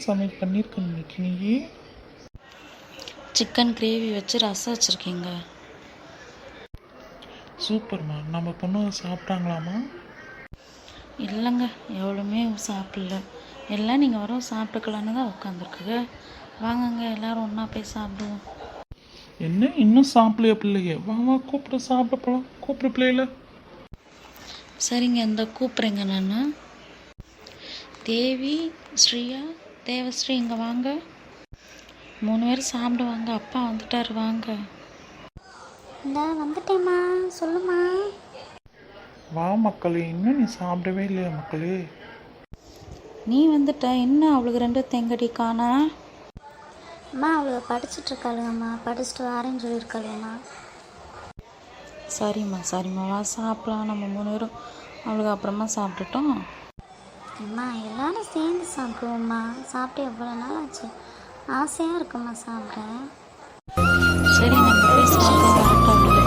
சமையல் பண்ணியிருக்க இன்னைக்கு நீ? சிக்கன் கிரேவி வச்சு ரசம் வச்சுருக்கீங்க. சூப்பர்மா. நம்ம பொண்ணு சாப்பிட்டாங்களாமா? இல்லைங்க, எவ்வளோமே சாப்பிடல. எல்லாம் நீங்கள் வரும் சாப்பிட்டுக்கலான்னு தான் உட்காந்துருக்குங்க. வாங்கங்க எல்லோரும் ஒன்றா போய் சாப்பிடுவோம். என்ன இன்னும் சாப்பிடலையா பிள்ளைய? வா வா கூப்பிட சாப்பிட போகலாம். கூப்பிட பிள்ளையில. சரிங்க, இந்த கூப்பிட்றேங்க நான். தேவி, ஸ்ரீயா, தேவஸ்ரீ இங்கே வாங்க. 3 பேர் சாப்பிடுவாங்க. அப்பா வந்துட்டார், வாங்க. இந்த வந்துட்டேம்மா, சொல்லுமா. வா மக்களே. இன்னும் நீ சாப்பிடவே இல்லையா மக்களே? நீ வந்துட்ட, என்ன அவளுக்கு 2 தேங்கடி காணா? அம்மா அவளுக்கு படிச்சுட்ருக்காளுங்கம்மா, படிச்சுட்டு வரேன்னு சொல்லியிருக்காளுங்கம்மா. சரிம்மா வா சாப்பிடலாம். நம்ம 3 பேரும் அவளுக்கு அப்புறமா சாப்பிட்டுட்டோம். அம்மா எல்லாரும் சேர்ந்து சாப்பிடுவோம்மா. சாப்பிட்டு எவ்வளோ நாள் ஆச்சு, ஆசையாக இருக்கும்மா சாப்பிட. சரி, நம்ம போய் சாப்பிட வரட்டும்.